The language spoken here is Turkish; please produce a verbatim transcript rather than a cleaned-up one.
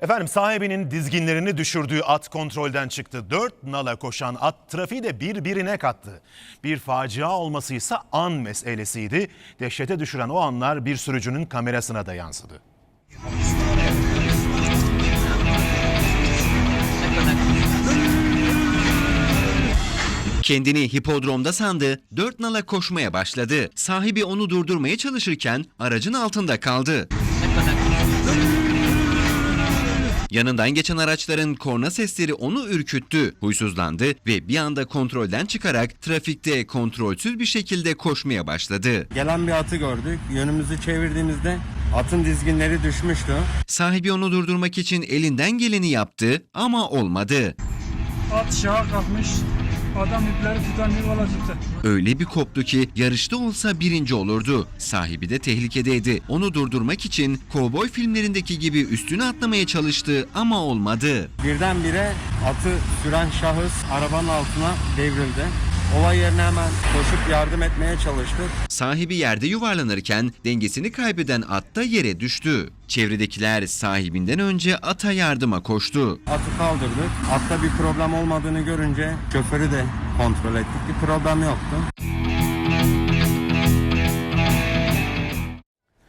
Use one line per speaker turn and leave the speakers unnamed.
Efendim sahibinin dizginlerini düşürdüğü at kontrolden çıktı. Dört nala koşan at trafiği de birbirine kattı. Bir facia olması ise an meselesiydi. Dehşete düşüren o anlar bir sürücünün kamerasına da yansıdı.
Kendini hipodromda sandı, dört nala koşmaya başladı. Sahibi onu durdurmaya çalışırken aracın altında kaldı. Yanından geçen araçların korna sesleri onu ürküttü. Huysuzlandı ve bir anda kontrolden çıkarak trafikte kontrolsüz bir şekilde koşmaya başladı.
Gelen bir atı gördük. Yönümüzü çevirdiğimizde atın dizginleri düşmüştü.
Sahibi onu durdurmak için elinden geleni yaptı ama olmadı.
At şaha kalkmış. Adam ipleri tutan yuvala tuttu.
Öyle bir koptu ki yarışta olsa birinci olurdu. Sahibi de tehlikedeydi. Onu durdurmak için kovboy filmlerindeki gibi üstüne atlamaya çalıştı ama olmadı.
Birdenbire atı süren şahıs arabanın altına devrildi. Olay yerine hemen koşup yardım etmeye çalıştık.
Sahibi yerde yuvarlanırken dengesini kaybeden at da yere düştü. Çevredekiler sahibinden önce ata yardıma koştu.
Atı kaldırdık. Atta bir problem olmadığını görünce şoförü de kontrol ettik. Bir problem yoktu.